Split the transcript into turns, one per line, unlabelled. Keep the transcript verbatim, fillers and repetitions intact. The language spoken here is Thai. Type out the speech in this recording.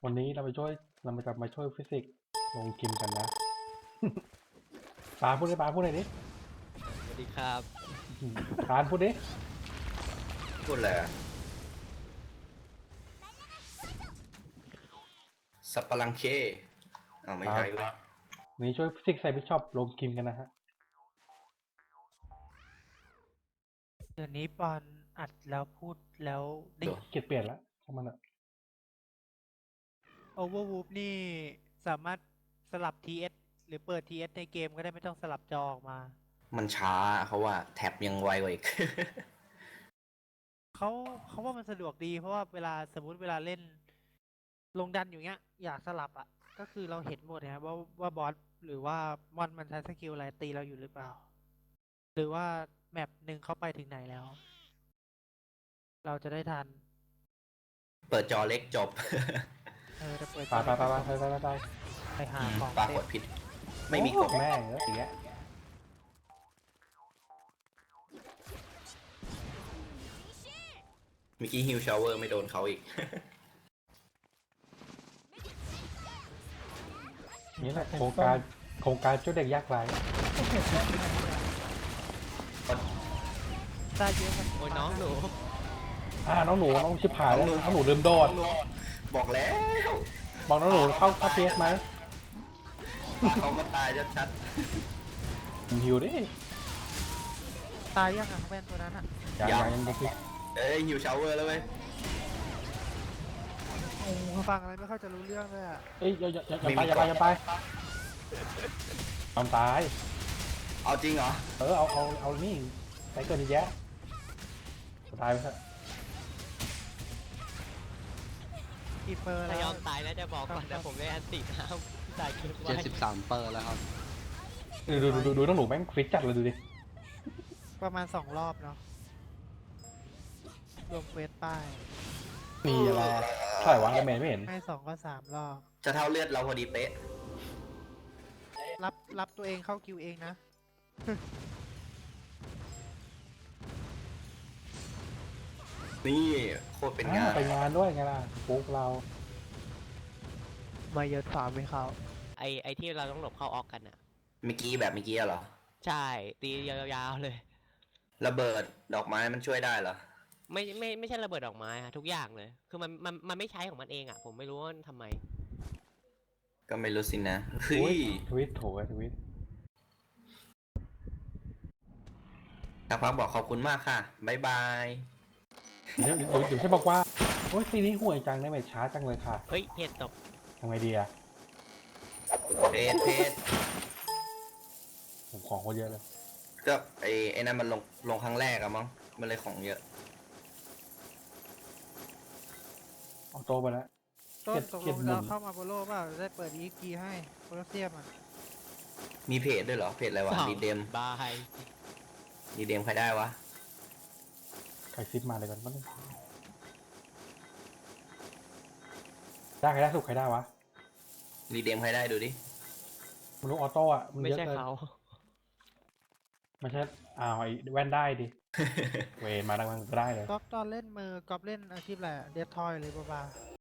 วันนี้เราไปช่วยเรามาจะมาช่วยฟิสิกส์ลงคิมกันนะปาพูดดิปาพูดหน่อยดิ
สวัสดีครับ
อืมปานพูดดิ
พูดอะไรอะสับปะรังเคอ้าวไม่ใช่เว้ย
วันนี้ช่วยฟิสิกส์ใส่บิชอปลงคิมกันนะฮะ
เดี๋ยวนี้ปอนอัดแล้วพูดแล้วได้
เกลียดเปลี่ยนละช่างมันอะ
โอเวอร์วูฟนี่สามารถสลับ ที เอส หรือเปิด ที เอส ในเกมก็ได้ไม่ต้องสลับจอออกมา
มันช้าเขาว่าแท็บยังไวกว่าอีก
เขาเขาว่ามันสะดวกดีเพราะว่าเวลาสมมุติเวลาเล่น ลงดันอยู่เงี้ย อยากสลับอ่ะ ก็คือเราเห็นหมดนะครับว่าว่าบอสหรือว่ามอนมันใช้สกิลอะไรตีเราอยู่หรือเปล่า หรือว่าแมปหนึ่งเขาไปถึงไหนแล้ว เราจะได้ทัน
เปิดจอเล็กจบ
เออจะเปิด
ปาปาปาปาไปไปไปไป
ไปหาของ
ปรา
เต็
ก
ม
ฏผิด ไม่มีกด
โอ้แม่งแล้วอย่างเงี้ย
เมื่อกี้ฮิวชาวเวอร์ไม่โดนเขาอีก
นี่แหละโครงการโครงการช่วยเด็กยากไร้
ได้เยอะกัน
โอ้ยน้องหนู
อ่าน้องหนูน้องชิบหายแล้วน้องหนูลืมโดด
บอกแล้ว
บอกน้องหนูเข้าเข้าเพียสไหม
เขามาตายชัด
หิวดิ
ตายยังอ่ะแว่นตัวนั้นอ่ะ
ยังยังยังยัง
ๆเอ้ยฮิวชาวเวอร์แล้วเว้ย
โอ้โหฟังอะไรไม่ค่อยจะรู้เรื่องเลยอ่ะ
เอ้ยอย่าอย่าอย่าอย่าไปอย่าไปอย่าไปทำตาย
เอาจริงเหรอ
เออเอาเอาเอานี่ใส่เกินแยะตายไปเถอะ
กี่เปอร์
ถ้า
แล้ว
ยอมตายนะจะบอกก่อนแต่ผมได้อันติน้ำตายเกินไว้
เจ็ดสิบสามเปอร์แล้วครับ
ดูดูดูดูดูน้องหนูแม่งฟิตจัดเลยดูดิ
ประมาณสองรอบเนาะรวมเควสป้าย
มีอะไรเท่าไหร่วะแล้วเมย์ไม่เห็น
ให้สองก็สามรอบ
จะเท่าเลือดเราพอดีเป๊ะ
รับรับตัวเองเข้าคิวเองนะ
นี่โคตรเป็นงาน
อ่าไปงานด้วยไงล่ะปุ๊กเรา
มาเยอะฝาไม่เข้า
ไอไอที่เราต้องหลบเข้าออกกันอ่ะ
เมื่อกี้แบบเมื่อกี้เหรอ
ใช่ตียาวๆเลย
ระเบิดดอกไม้มันช่วยได้เหรอ
ไม่ไม่ไม่ใช่ระเบิดดอกไม้อะทุกอย่างเลย คือมันมันมันไม่ใช้ของมันเองอ่ะ ผมไม่รู้ว่าทำไม
ก็ไม่รู้สินะเฮ้
อุ๊ย
ย
ทวิตโถทวิต
สักพักบอกขอบคุณมากค่ะบ๊ายบาย
เดี๋ยวเดี๋ยวเดี๋ยวใช่บอกว่าโอ้ยซีนี้ห่วยจังได้ไหมช้าจังเลยค่ะ
เฮ้ยเหตุตก
ทำไงดีอะ
เพจเพจ
ผมของคนเยอะเลย
ก็ไอ้ไอ้นั่นมันลงลงครั้งแรกอะมั้งมันเลยของเยอะ
เอาโตไปแล้ว
ต้น
เก็บ
ตก
เก็
ล
บ
ง
หมุ
เรา
น
เข้ามาโบโลเปล่าจะได้เปิด อี เอ็กซ์ พี ให้โพแทสเซียมอ่ะ
มีเพจด้วยเหรอเพจอะไรวะ
สอง
ดีเดม
บาย
ดีเดมใครได้วะ
ใครซิปมาเลยกันบ้างได้ใครได้สุดใครได้วะ
ดีเดมใครได้ดูดิ
มันลูกออโต้อะมัน
ไม่
เยอะ
ใช่
เกิน
เขา
ไม่ใช่อ้าวไอ้แว่นได้ดิ เวรมาดังมันก็ได้เลย
ก๊อฟตอนเล่นมือก๊อฟเล่นอาชีพอะไรเดฟทอยเลยบ้า